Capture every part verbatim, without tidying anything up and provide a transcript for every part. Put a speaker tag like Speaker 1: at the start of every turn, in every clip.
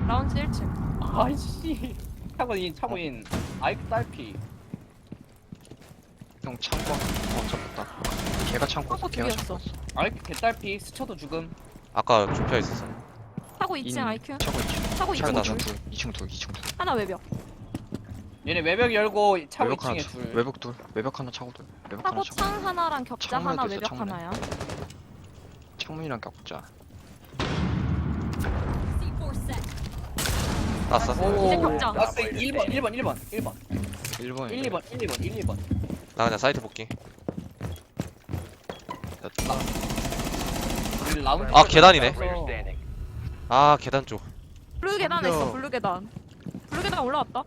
Speaker 1: 라운지 일 층.
Speaker 2: 아이씨. 차고인 차고인. 아이크 딸피.
Speaker 3: 형 창고 어 잡았다. 걔가 창고
Speaker 1: 창고
Speaker 3: 걔가
Speaker 1: 둘이었어.
Speaker 3: 창고
Speaker 2: 아이크 개딸피. 스쳐도 죽음.
Speaker 4: 아까 좁혀 있었어.
Speaker 1: 타고 이 층 아이큐.
Speaker 3: 차고 있지.
Speaker 1: 타고 이 층
Speaker 4: 차고
Speaker 3: 이 층
Speaker 1: 둘.
Speaker 3: 둘, 이 층 둘, 이 층 둘.
Speaker 1: 하나 외벽.
Speaker 2: 얘네 외벽 열고 차고
Speaker 3: 외벽 하나
Speaker 2: 이 층에
Speaker 3: 둘.
Speaker 2: 둘.
Speaker 3: 외벽 둘. 외벽 하나 차고 둘. 외벽 하나
Speaker 1: 타고
Speaker 3: 차고.
Speaker 1: 창 하나랑 격자
Speaker 3: 창문에도
Speaker 1: 하나
Speaker 3: 있어,
Speaker 1: 외벽
Speaker 3: 창문에.
Speaker 1: 하나야.
Speaker 3: 창문이랑 격자.
Speaker 4: 났어.
Speaker 2: 오.
Speaker 1: 이제 격자.
Speaker 2: 라스 일 번 일 번 일 번 일 번
Speaker 3: 일 번에
Speaker 2: 일, 이 번 일, 이 번 일, 이 번.
Speaker 4: 나 그냥 사이트 볼게.
Speaker 2: 우리 라운지.
Speaker 4: 아, 계단이네.
Speaker 2: 따라서
Speaker 4: 아 계단 쪽.
Speaker 1: 블루 계단에 있어. 블루 계단. 블루 계단 올라왔다.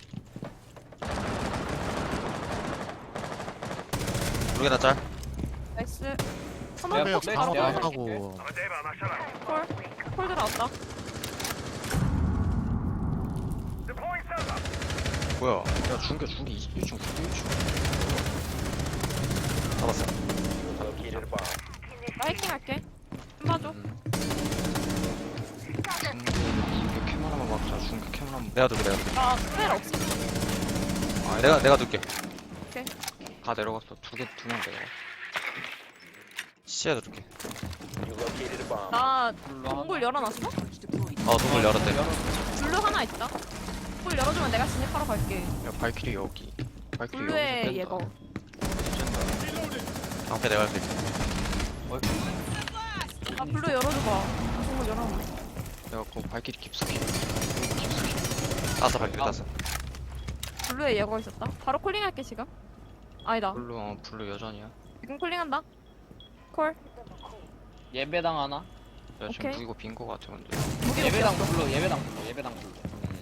Speaker 4: 블루 계단 짤.
Speaker 1: 나이스.
Speaker 2: 내가
Speaker 1: 한번
Speaker 2: 네,
Speaker 1: 폭 바로
Speaker 2: 내가
Speaker 1: 콜.
Speaker 5: 하고
Speaker 1: 콜. 콜 들어왔다.
Speaker 3: 뭐야? 야 중계 중계 이 층 중계 이 층.
Speaker 4: 잡았어.
Speaker 1: 나 해킹 할게. 좀 봐줘.
Speaker 3: 음. 중계 캠 하나만 막자. 중계 캠 하나만.
Speaker 4: 내가 둘게 내가 둘게.
Speaker 1: 나 스펠 없어.
Speaker 3: 아,
Speaker 4: 내가 내가 둘게.
Speaker 3: 다 내려갔어. 두 개 두 명 내려.
Speaker 4: 시야도 줄게.
Speaker 1: 나
Speaker 2: 블루
Speaker 1: 동굴 열어놨어?
Speaker 4: 어 동굴 열었대.
Speaker 1: 블루 하나 있다. 동굴 열어주면 내가 진입하러 갈게.
Speaker 3: 야 발키리 여기. 발키리
Speaker 1: 블루의
Speaker 3: 여기서
Speaker 1: 예거.
Speaker 3: 뺀다.
Speaker 4: 방패 내가 할 수 있어.
Speaker 1: 아 블루 열어줘봐. 동굴 열어놨네.
Speaker 3: 내가 그 발키리 깊숙이.
Speaker 4: 땄어 발길 땄어.
Speaker 1: 블루의 예거 있었다. 바로 콜링할게 지금. 아니다.
Speaker 3: 블루 어 블루 여전이야.
Speaker 1: 지금 콜링한다. 콜.
Speaker 2: 예배당 하나.
Speaker 3: 야 지금
Speaker 1: 오케이.
Speaker 3: 무이고 빈거 같아 근데.
Speaker 1: 무기
Speaker 2: 예배당
Speaker 1: 높였어.
Speaker 2: 블루. 예배당 블루. 예배당 블루.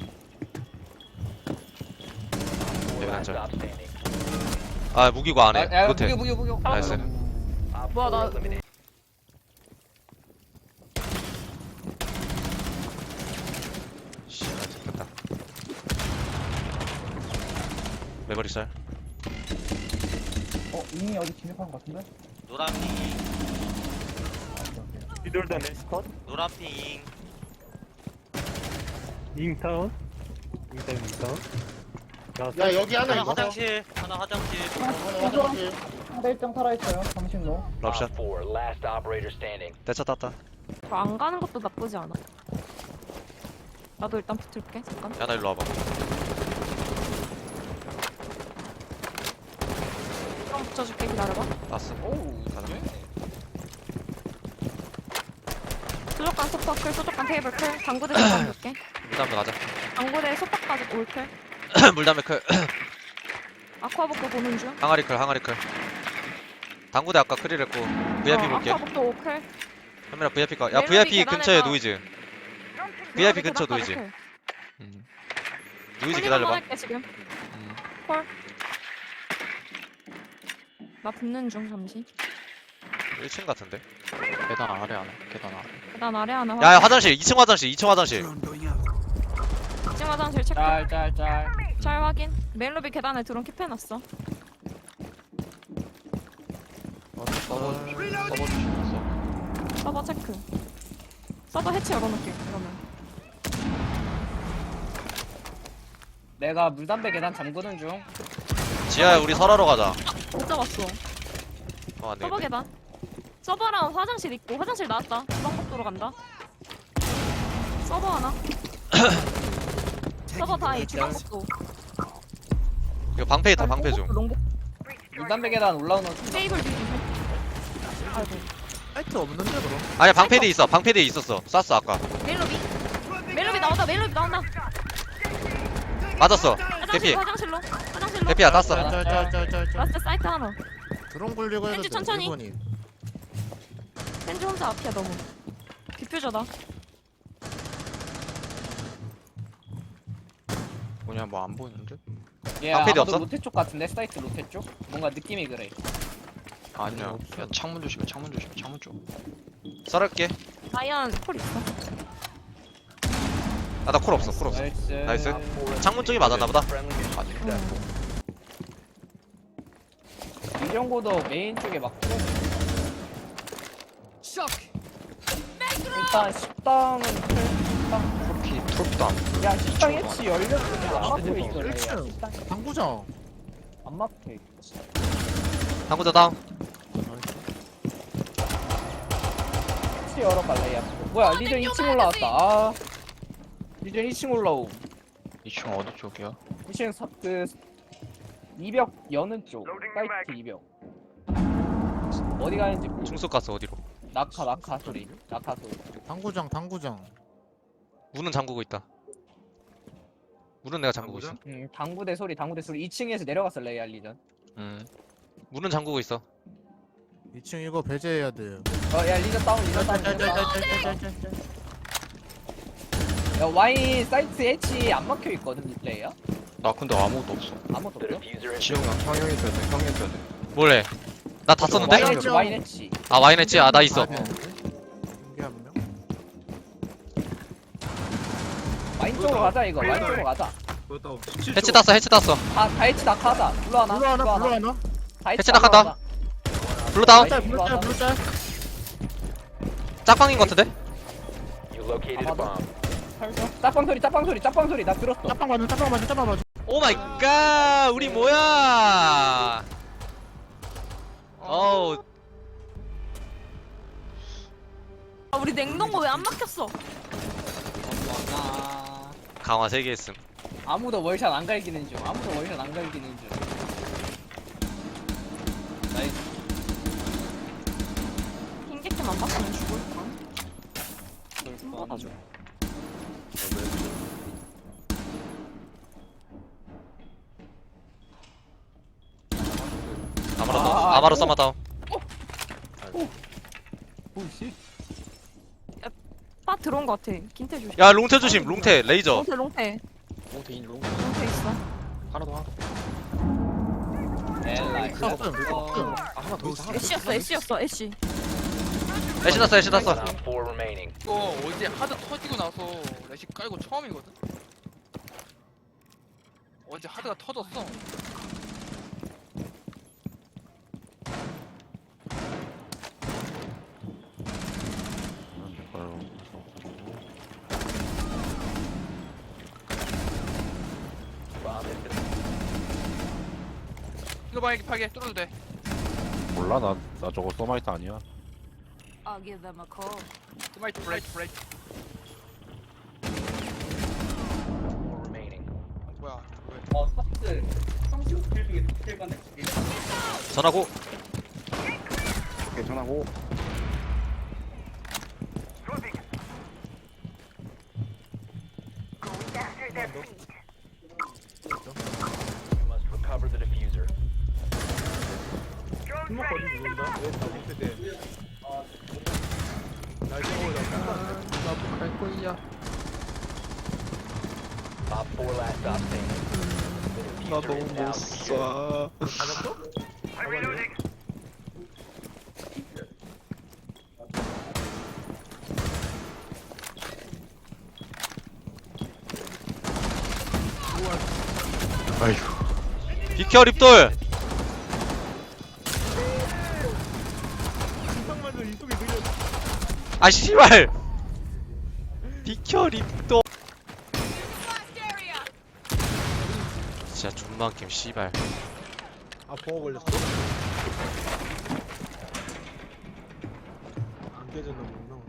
Speaker 4: 계단 짤. 아 무기고 안해.
Speaker 2: 야, 야,
Speaker 4: 못해.
Speaker 2: 무기 무기 무기.
Speaker 4: 나이스.
Speaker 1: 뭐야 나
Speaker 4: 씨, 아, 잡혔다. 메모리 쌀.
Speaker 6: 어, 이미 어디 진입한 것 같은데?
Speaker 7: 노란핑
Speaker 5: 비돌던 스컷
Speaker 7: 노란핑
Speaker 5: 잉타운 잉타운 잉타운
Speaker 6: 야, 여기 하나
Speaker 7: 하나
Speaker 6: 있어.
Speaker 7: 화장실 하나 화장실
Speaker 6: 화장실. 상대 일정 살아있어요. 당신도.
Speaker 4: 럽샷. 대차 땄다.
Speaker 1: 안 가는 것도 나쁘지 않아. 나도 일단 붙을게 잠깐.
Speaker 4: 야 나 일로 와봐.
Speaker 1: 그럼 붙여줄게 기다려봐.
Speaker 4: 땄어.
Speaker 2: 오우.
Speaker 4: 가자.
Speaker 1: 수족관 소파클 수족관 테이블 클 당구대 잠깐 볼게.
Speaker 4: 물담배 가자.
Speaker 1: 당구대 소파까지 올클.
Speaker 4: 물담배 클.
Speaker 1: 아쿠아복도 보는 중.
Speaker 4: 항아리 클 항아리 클. 당구대 아까 클일 했고 브이아이피
Speaker 1: 어,
Speaker 4: 볼게.
Speaker 1: 아쿠아복도 오클.
Speaker 4: 현민아 브이아이피 가. 야
Speaker 1: 멜로디
Speaker 4: 브이아이피 근처에
Speaker 1: 계단에다-
Speaker 4: 노이즈. 브이아이피 근처
Speaker 1: 계단까지
Speaker 4: 노이즈.
Speaker 1: 클.
Speaker 4: 음. 노이즈
Speaker 1: 콜링
Speaker 4: 기다려봐.
Speaker 1: 한번 할게 지금.
Speaker 4: 음.
Speaker 1: 콜. 나 붙는 중 잠시.
Speaker 4: 일 층 같은데.
Speaker 3: 계단 아래 하나. 계단 아래.
Speaker 1: 계단 아래 하나.
Speaker 4: 야, 야 화장실 이 층 화장실 이 층 화장실.
Speaker 1: 이 층 화장실 체크.
Speaker 2: 짤 짤 짤.
Speaker 1: 잘 확인. 메인로비 계단에 드론 킵해놨어.
Speaker 3: 어, 서버 서버 주시면서.
Speaker 1: 서버 체크. 서버 해치 열어놓을게 그러면.
Speaker 2: 내가 물담배 계단 잠그는 중.
Speaker 4: 지하야 우리 설하러 가자.
Speaker 1: 못 잡았어.
Speaker 4: 어, 안
Speaker 1: 서버
Speaker 4: 되겠네.
Speaker 1: 계단. 서버랑 화장실 있고 화장실 나왔다. 주방복도로 간다. 서버 하나. 서버 다이 주방복도.
Speaker 4: 이거 방패 있다 방패 좀.
Speaker 1: 롱복
Speaker 2: 물담배 계단 올라오는
Speaker 1: 테이블 뒤. 아이고.
Speaker 5: 사이트 없는데 그럼
Speaker 4: 아니야 방패대 있어 방패대 있었어. 쐈어 아까.
Speaker 1: 메인로비. 메인로비 나온다. 메인로비 나온다.
Speaker 4: 맞았어.
Speaker 1: 화장실
Speaker 4: 대피.
Speaker 1: 화장실로. 화장실로.
Speaker 4: 대피야 땄어.
Speaker 5: 짤짤짤짤짤
Speaker 1: 라스트 사이트 하나.
Speaker 5: 드론 굴리고 해도
Speaker 1: 렌즈
Speaker 5: 돼
Speaker 1: 천천히.
Speaker 5: 일본이
Speaker 1: 렌즈 혼자 앞이야 너무. 디퓨저다.
Speaker 3: 뭐냐 뭐 안 보이는데?
Speaker 2: 얘
Speaker 4: 방패도
Speaker 2: 아마도
Speaker 4: 없어?
Speaker 2: 로테 쪽 같은데 사이트 로테 쪽? 뭔가 느낌이 그래.
Speaker 3: 아니야. 야 창문 조심해. 창문 조심해. 창문 쪽.
Speaker 4: 썰을게.
Speaker 1: 다이안 콜 있어.
Speaker 4: 아 나 콜 없어 콜 없어.
Speaker 2: 나이스.
Speaker 4: 나이스. 창문 쪽이 맞았나 보다.
Speaker 1: 응.
Speaker 2: 이정고도 메인 쪽에 맞고. 일단 식당은 클. 식당.
Speaker 3: 코르키 숏도 안
Speaker 2: 야 식당
Speaker 3: 이쪽으로
Speaker 2: H 열렸는데 안 막혀 있어.
Speaker 5: 일 층.
Speaker 2: 식당
Speaker 5: 당구장.
Speaker 2: 안 막혀 있어.
Speaker 4: 당구자 다운.
Speaker 2: H 열어갈래 야. 뭐야 리전 이 층 올라왔다. 아 리전 이 층 올라오.
Speaker 3: 이 층 어디 쪽이야?
Speaker 2: 이 층 사, 그 이벽 여는 쪽 사이트 이벽. 어디 가는지 모르.
Speaker 4: 중속 갔어 어디로?
Speaker 2: 낙하 낙하 소리 낙하 소리.
Speaker 5: 당구장 당구장.
Speaker 4: 문은 잠그고 있다. 문은 내가 잠그고 있어.
Speaker 2: 음 당구대 소리 당구대 소리 이 층에서 내려갔어 레이알 리전.
Speaker 4: 음. 문은 잠그고 있어.
Speaker 5: 이 층 이거 배제해야 돼요.
Speaker 2: 어야 리전 다운 리전 다운. 리전 다운. 야 와인 사이트 H 안 막혀 있거든 레이야.
Speaker 3: 나 근데 아무것도 없어.
Speaker 2: 아무것도 없어.
Speaker 3: 지영이 형 형이 있어야 돼. 형이 있어야 돼.
Speaker 4: 뭐래? 나 다 썼는데?
Speaker 2: 와인 H 와인 H.
Speaker 4: 아 와인 했지? 아 나 있어.
Speaker 5: 이게 한 명.
Speaker 2: 와인 쪽으로 가자 이거 와인 쪽으로 가자.
Speaker 4: 해치 땄어 해치 땄어.
Speaker 2: 다, 다 H 낙하자. 불러 하나.
Speaker 5: 블루 하나 블루 하나.
Speaker 2: 다
Speaker 4: 해치 낙하다. 블루 다운.
Speaker 5: 블루 짤 블루 짤 블루 짤.
Speaker 4: 짝방인 것 같은데?
Speaker 2: 짝방 소리 짝방 소리 짝방 소리 나 들었어.
Speaker 5: 짝방 맞아 짝방 맞아 짝방 맞아.
Speaker 4: 오 마이 갓 우리 뭐야? 어우
Speaker 1: 아, 우리 냉동고 왜 안 막혔어?
Speaker 2: 아,
Speaker 4: 강화 세 개 했음.
Speaker 2: 아무도 월샷 안 갈기는 중. 아무도 월샷 안 갈기는 중. 나이스.
Speaker 1: 흰개캠 안 봤으면 죽을까? 받아줘.
Speaker 4: 아마로
Speaker 2: 아,
Speaker 4: 다운.
Speaker 2: 아,
Speaker 4: 아마로
Speaker 2: 오.
Speaker 4: 써마 다운.
Speaker 2: 오씨.
Speaker 1: 빠 들어온 거 같아. 긴태 조심.
Speaker 4: 야 롱테 조심. 롱테 레이저.
Speaker 1: 롱태 롱태.
Speaker 3: 롱테 인 롱.
Speaker 1: 롱태 있어.
Speaker 3: 하나 더 하나.
Speaker 2: 엘라이.
Speaker 5: 아,
Speaker 2: 어.
Speaker 3: 아, 하나 더 있어.
Speaker 1: 애쉬였어 애쉬였어 애쉬.
Speaker 4: 애쉬 났어 애쉬 났어.
Speaker 8: 이거 어제 하드 터지고 나서 레시 깔고 처음이거든? 어제 하드가 터졌어. 이거 만약에 파게 뚫어도 돼.
Speaker 9: 몰라 나, 나 저거 서마이트 아니야.
Speaker 1: I'll give them a call.
Speaker 8: 스마이트 브레이크 브레이크. 뭐야? 왜?
Speaker 2: 어, 서비스. 성실 스킬 중에 스킬 건데.
Speaker 4: 전하고.
Speaker 9: 괜찮하고.
Speaker 3: 갈 거야. 나 너무 못 쏴. 아이고.
Speaker 4: 비켜 립돌. 아 씨발. 비켜 립돌. 진짜 존만 게임 씨발.
Speaker 5: 아 보호 걸렸어? 안 깨졌나 보구나.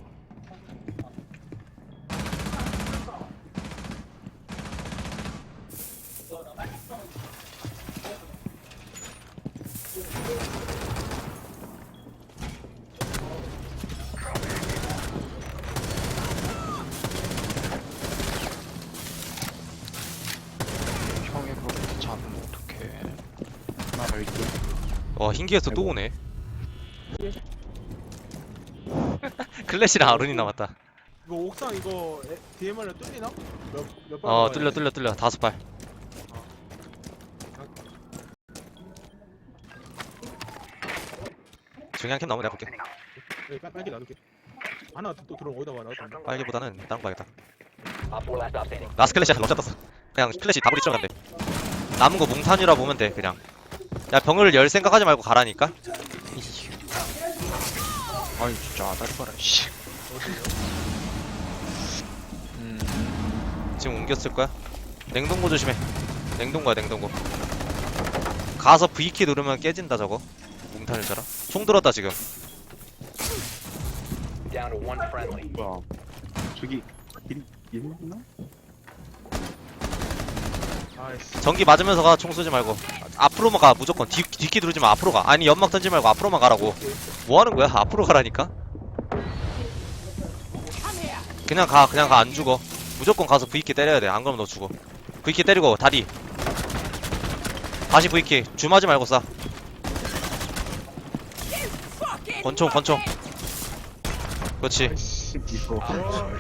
Speaker 3: 형이 그렇게 잡으면 어떡해.
Speaker 9: 하나 더 있고.
Speaker 4: 와 흰기에서 또 오네. 클래시랑 아룬이 남았다.
Speaker 5: 이거 옥상 이거 디엠알로 뚫리나? 몇몇
Speaker 4: 어 뚫려 뚫려 뚫려 다섯 발. 중요한 캠 나오면 내가 볼게.
Speaker 5: 네, 빨, 빨리 놔둘게. 하나 또 들어 어디다 와 놔둘게.
Speaker 4: 빨기보다는 다른 거 봐야겠다. 라스 클래시 럭샷 떴어. 그냥 클래시 다구리 찔러간대. 남은 거 몽탄이라 보면 돼 그냥. 야 병을 열 생각하지 말고 가라니까.
Speaker 3: 아니 진짜 아다리 봐라 씨. 음.
Speaker 4: 지금 옮겼을 거야. 냉동고 조심해. 냉동고야 냉동고. 가서 V키 누르면 깨진다 저거. 몽탄일처럼. 총 들었다 지금.
Speaker 9: 뭐야 저기 일 있나?
Speaker 5: 아이씨.
Speaker 4: 전기 맞으면서 가. 총 쏘지 말고. 앞으로만 가 무조건. 뒤, 뒷키 누르지 마. 앞으로 가. 아니 연막 던지 말고 앞으로만 가라고. 뭐 하는 거야? 앞으로 가라니까. 그냥 가. 그냥 가. 안 죽어. 무조건 가서 V키 때려야 돼. 안 그러면 너 죽어. V키 때리고 다리. 다시 V키. 줌하지 말고 쏴. 권총 권총. 그렇지.
Speaker 9: 아이씨 이거